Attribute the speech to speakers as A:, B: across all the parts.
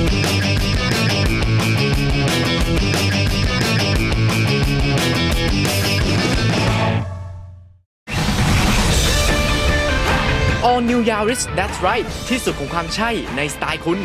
A: All New Yaris That's Right ที่สุดของความใช่ในสไตล์คุณ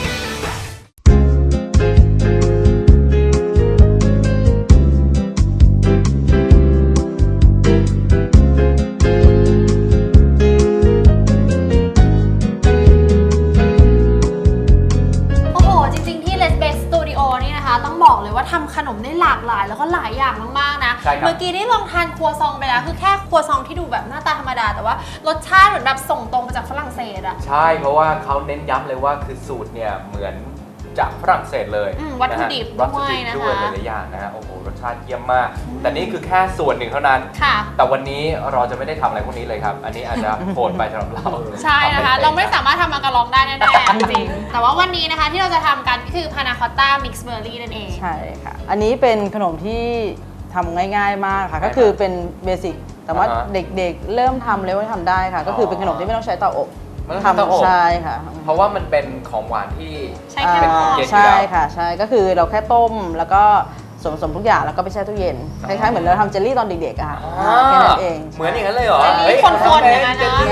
B: ต้องบอกเลยว่าทำขนมได้หลากหลายแล้วก็หลายอย่างมากๆนะเมื่อกี้ได้ลองทานครัวซองไปแล้วคือแค่ครัวซองที่ดูแบบหน้าตาธรรมดาแต่ว่ารสชาติเหมือนแบบส่งตรงมาจากฝรั่งเศสอะ
C: ใช่เพราะว่าเขาเน้นย้ำเลยว่าคือสูตรเนี่ยเหมือนจากฝรั่งเศสเลย
B: วัตถุดิบด้วยนะคะ
C: หลายอย่างนะฮะโอ้โหรสชาติเยี่ยมมากแต่นี่คือแค่ส่วนหนึ่งเท่านั้นแต่วันนี้เราจะไม่ได้ทำอะไรพวกนี้เลยครับอันนี้อาจจะโหดไปสำหรับเรา
B: ใช่นะคะเราไม่สามารถทำมังกรลองได้แน่ๆจริงแต่ว่าวันนี้นะคะที่เราจะทำกันก็คือพานาคอตต้ามิกซ์เบอร์รี่นั่นเอง
D: ใช่ค่ะอันนี้เป็นขนมที่ทำง่ายๆมากค่ะก็คือเป็นเบสิกแต่ว่าเด็กๆเริ่มทำเลยว่าทำได้ค่ะก็คือเป็นขนมที่ไม่ต้องใช้เตาอบ
C: ทำ
D: ใช่ค่ะ
C: เพราะว่ามันเป็นของหวานที่
B: เป็นของ
C: เย็น
D: ใช่ค่ะใช่ก็คือเราแค่ต้มแล้วก็ส่วนผสมทุกอย่างแล้วก็ไปแช่ตู้เย็นคล้ายๆเหมือนเราทำเจลลี่ตอนเด็กๆอะค่ะแค่นั้นเอง
C: เหมือนอย่างนั้นเลยเหรอ
B: คนๆอย่างนั้นนะ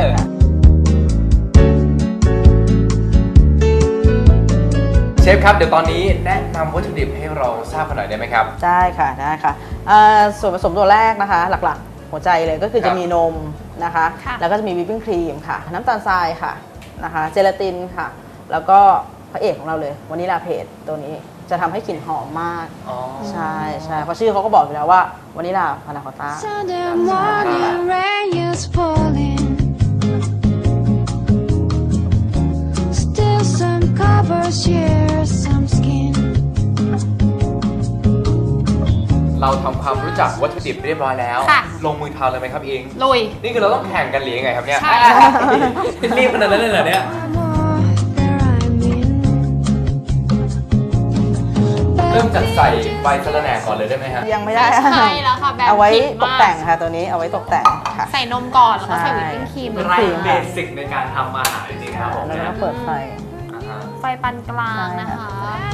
C: เชฟครับเดี๋ยวตอนนี้แนะนำวัตถุดิบให้เราทราบกันหน่อยได้ไหมครับ
D: ได้ค่ะได้ค่ะส่วนผสมตัวแรกนะคะหลักๆหัวใจเลยก็คือจะมีนมนะคะแล้วก็จะมีวิปปิ้งครีมค่ะน้ำตาลทรายค่ะนะคะเจลาตินค่ะแล้วก็พระเอกของเราเลยวานิลาเพสตัวนี้จะทำให้กลิ่นหอมมากใช่ใช่เพราะชื่อเขาก็บอกอยู่แล้วว่าวานิลาพานาคอตต้า
C: เราทำความรู้จักวัตถุดิบเรียบร้อยแล้วลงมือทำเลยไหมครับอิง
B: ลุย
C: นี่คือเราต้องแข่งกันหรือยังไงครับเนี่ย
B: ใช่
C: รีบขนาดนั้นเลยเหรอเนี่ยเริ่มจากใส่ใบสะระแหน่ก่อนเลยได้ไหมฮะ
D: ยังไม่ได้
B: ใช่แล้วค่ะแบบ
D: เอาไว้ตกแต่งค่ะตัวนี้เอาไว้ตกแต่งค่ะ
B: ใส่นมก่อนแล้วก็ใส่วิปปิ้งครีม
C: ไรเบสิกในการทำอาหารจริงๆครับผม
D: แล้วก็เปิดไ
B: ฟปานกลางนะคะ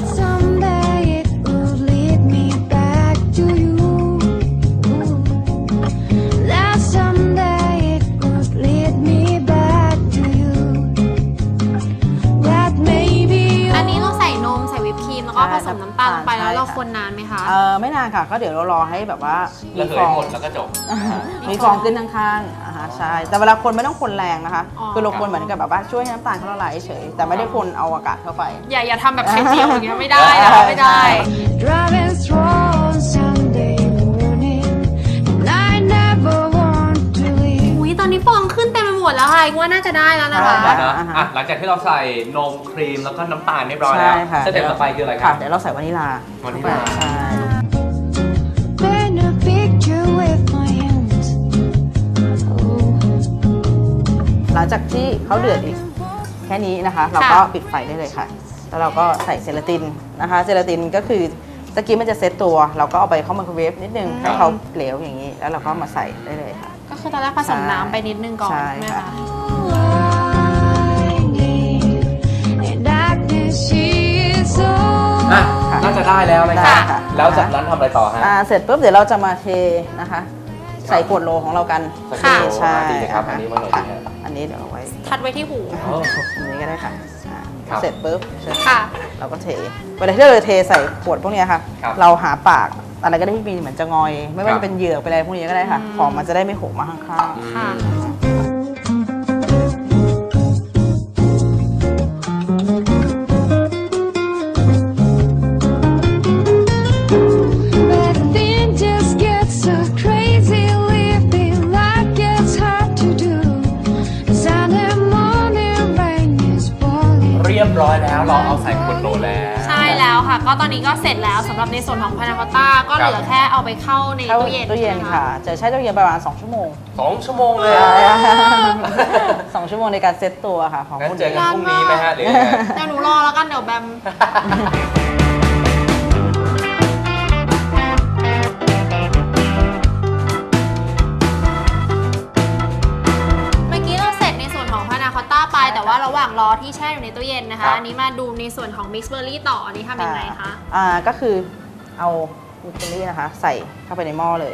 B: ผสมน้ำตาลลงไปแล้วเราคนนานไหมคะ
D: ไม่นานค่ะก็เดี๋ยวเรารอให้แบบว่า
C: มีฟองหมดแล้วก็จบ
D: มีฟองขึ้นข้างๆใช่แต่เวลาคนไม่ต้องคนแรงนะคะคือเราคนเหมือนกับแบบว่าช่วยให้น้ำตาลเขาละลายเฉยแต่ไม่ได้คนเอาอากาศเข้าไป
B: อย่าทำแบบไข่เจียวอย่างเงี้ยไม่ได้ไม่ได้ตอนนี้ฟองขึ้นเต็มไปหมดแล้วค่ะว่าน่าจะได้แล้วนะคะ
C: หลังจากที่เราใส่นมครีมแล้วก็น้ำตาลเรียบร้อยแล้วสเต็ปต่อไปคืออะไรครับ
D: เดี๋ยวเราใส่วานิลาใช่หลังจากที่เขาเดือดอีกแค่นี้นะคะเราก็ปิดไฟได้เลยค่ะแล้วเราก็ใส่เจลาตินนะคะเจลาตินก็คือตะกี้มันจะเซตตัวเราก็เอาไปเข้าไมโครเวฟนิดนึงให้เขาเหลวอย่างนี้แล้วเราก็มาใส่ได้เลยค่ะ
B: ก็คือตอนแรกผสมน้ำไปนิดนึงก่อนใช่ไหมคะ
C: น่าจะได้แล้วนะครับแล้วจากนั้นทำอะไรต่อฮะ
D: เสร็จปุ๊บเดี๋ยวเราจะมาเทนะคะใส่ขวดโลของเรากัน
C: ค่ะใช่ครับอันนี้มาเลย
D: อันนี้เดี๋ยวเอาไว้
B: ทัดไว้ที่หู
D: อันนี้ก็ได้ค่ะเสร็จปุ๊บเราก็เทเวลาที่เราเทใส่ขวดพวกนี้ค่ะเราหาปากอะไรก็ได้ที่มีเหมือนจะงอยไม่ว่าจะเป็นเหยือกเป็นอะไรพวกนี้ก็ได้ค่ะของมันจะได้ไม่หกมาข้างๆค่ะ
C: เรียบร้อยแล้วเราเอาใส่ขวดโหลแล้ว
B: ใช่แล้วค่ะก็ตอนนี้ก็เสร็จแล้วสำหรับในส่วนของพานาคอตต้าก็เหลือแค่เอาไปเข้าในตู้เย็น
D: ค่ะจะใช้ตู้เย็นประมาณ2 ชั่วโมง
C: 2 ชั่วโมงเลย
D: 2 ชั่วโมงในการเซตตัวค่ะของ
C: คุณเจอกันพรุ่งนี้ไหมฮะเดี๋
B: ยวหนูรอแล้วกันเดี๋ยวแบมเมื่อกี้เราเสร็จในส่วนของพานาคอตต้าไปแต่ว่าเราระหว่างรอที่แช่อยู่ในตู้เย็นนะคะอันนี้มาดูในส่วนของมิกซ์เบอร์รี่ต่ออันนี้ทำยังไงคะ
D: ก็คือเอามิกซ์เบอร์รี่นะคะใส่เข้าไปในหม้อเลย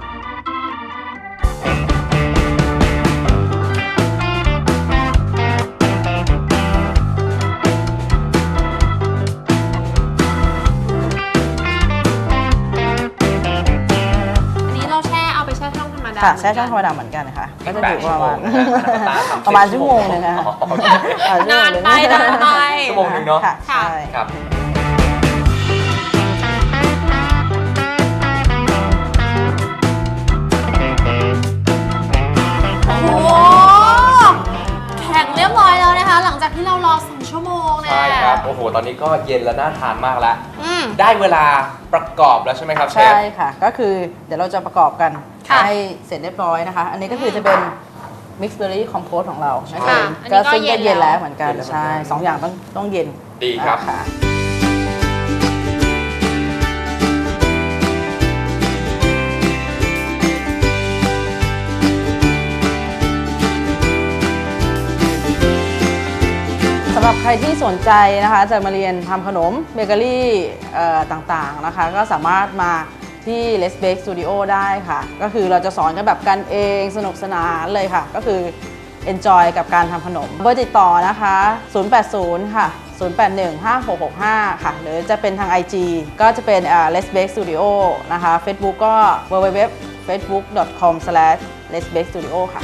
D: ค่ะแช่ช่องธรรมดาเหมือนกันนะคะก็จะอยู่ประมาณชั่วโมงนึงนะคะ
B: นานไป
C: ชั่วโมงนึงเนาะ
D: ใช่
C: ครับ
B: โอ้แข็งเรียบร้อยแล้วนะคะหลังจากที่เรารอ2 ชั่วโมงนะ
C: ใช่ครับโอ้โหตอนนี้ก็เย็นและน่าทานมากแล้วได้เวลาประกอบแล้วใช่ไหมครับเชฟ
D: ใช่ค่ะก็คือเดี๋ยวเราจะประกอบกันให้เสร็จเรียบร้อยนะคะอันนี้ก็คือจะเป็น Mixed Berry Compote ของเรานะคะก็ซึ่งก็เย็นแล้วเหมือนกันใช่2 อย่างต้องเย็น
C: ดีครับ
D: สำหรับใครที่สนใจนะคะจะมาเรียนทำขนมเบเกอรี่ต่างๆนะคะก็สามารถมาที่ Let's Bake Studio ได้ค่ะก็คือเราจะสอนกันแบบกันเองสนุกสนานเลยค่ะก็คือ enjoy กับการทำขนมเบอร์ติดต่อนะคะ080ค่ะ0815665ค่ะหรือจะเป็นทาง IG ก็จะเป็นLet's Bake Studio นะคะ Facebook ก็ www.facebook.com/letsbakestudio ค่ะ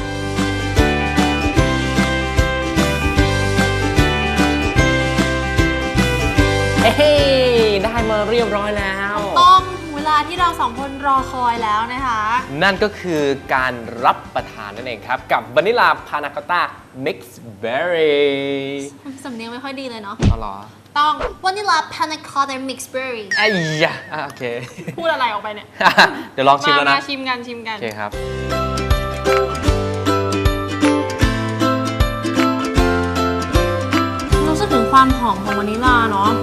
A: ได้มาเรียบร้อยแล้ว
B: ต้องเวลาที่เรา2 คนรอคอยแล้วนะคะ
A: นั่นก็คือการรับประทานนั่นเองครับกับวานิลาพานาคอตต้ามิกซ์เบอร์รี่
B: สำเนียงไม่ค่อยดีเลยเนาะ
A: อ๋อเหรอ
B: ต้องวานิลาพานาคอตต้ามิกซ์เบอร์รี่
A: ไอ้ยะโอเค
B: พูดอะไรออกไปเนี่ย
A: เดี๋ยวลองชิมแล้วนะ
B: ชิมกัน
A: โอเคครับ
B: รู้สึกถึงความหอมของวานิลาเนาะ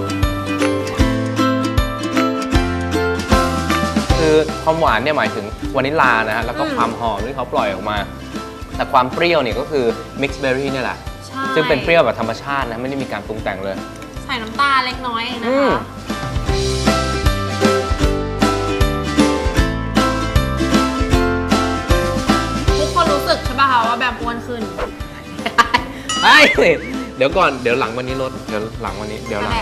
A: คือความหวานเนี่ยหมายถึงวานิลลานะฮะแล้วก็ความหอมที่เขาปล่อยออกมาแต่ความเปรี้ยวเนี่ยก็คือมิกซ์เบอร์รี่นี่แหละซึ่งเป็นเปรี้ยวแบบธรรมชาตินะไม่ได้มีการปรุงแต่งเลย
B: ใส่น้ำตาลเล็กน้อยเองนะคะทุกคนรู้สึกใช่ป่ะคะว่าแบบอ้วนขึ้น
A: เดี๋ยวก่อนเดี๋ยวหลังวันนี้ลดเดี๋ยวหลังวันนี้เดี๋ยวหลัง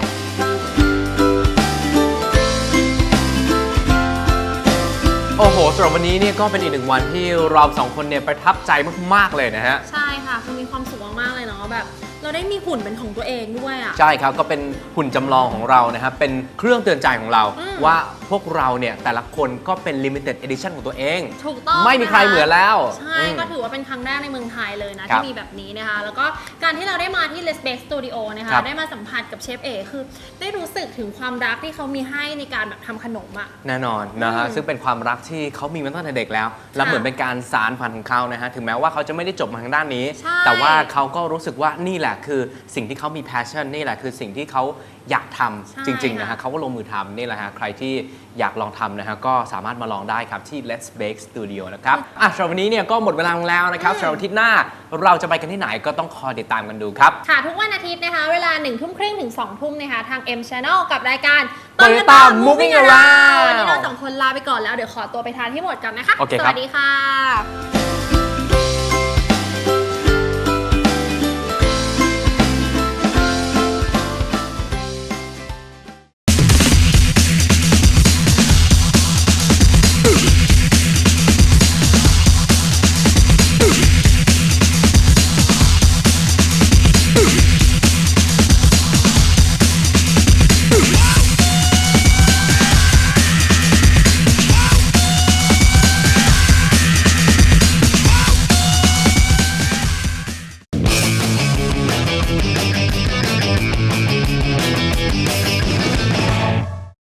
A: โอ้โหสำหรับวันนี้เนี่ยก็เป็นอีก1 วันที่เรา2 คนเนี่ยประทับใจมากๆเลยนะฮะ
B: ใช่ค่ะคือมีความสุขมากๆเลยเนาะแบบเราได้มีหุ่นเป็นของตัวเองด้วยอ่ะ
A: ใช่ครับก็เป็นหุ่นจำลองของเรานะครับเป็นเครื่องเตือนใจของเราว่าพวกเราเนี่ยแต่ละคนก็เป็น limited edition ของตัวเอง
B: ถูกต้อง
A: ไม่มีใครเหมือนแล้ว
B: ใช่ก็ถือว่าเป็นครั้งแรกในเมืองไทยเลยนะที่มีแบบนี้นะคะแล้วก็การที่เราได้มาที่ Let's Bake Studio นะคะได้มาสัมผัสกับเชฟเอคือได้รู้สึกถึงความรักที่เขามีให้ในการแบบทำขนมอ่ะ
A: แน่นอนนะฮะซึ่งเป็นความรักที่เขามีมาตั้งแต่เด็กแล้วและเหมือนเป็นการสานฝันของเขานะฮะถึงแม้ว่าเขาจะไม่ได้จบมาทางด้านนี้แต่ว่าเขาก็รู้สึกว่านี่แหละคือสิ่งที่เขามี passion นี่แหละคือสิ่งที่เขาอยากทำจริงๆนะฮะเขาก็ลงมือทำนี่แหละฮะใครที่อยากลองทำนะฮะก็สามารถมาลองได้ครับที่ Let's Bake Studio นะครับสำหรับวันนี้เนี่ยก็หมดเวลาแล้วนะครับสำหรับอาทิตย์หน้าเราจะไปกันที่ไหนก็ต้องคอยติดตามกันดูครับ
B: ค่ะทุกวันอาทิตย์นะคะเวลา 19:30 ถึง 20:00 นะคะทาง M Channel กับรายการ
A: Toyota Moving Around
B: วันนี้เรา2 คนลาไปก่อนแล้วเดี๋ยวขอตัวไปทานที่หมดกันนะคะสวัสดีค่ะ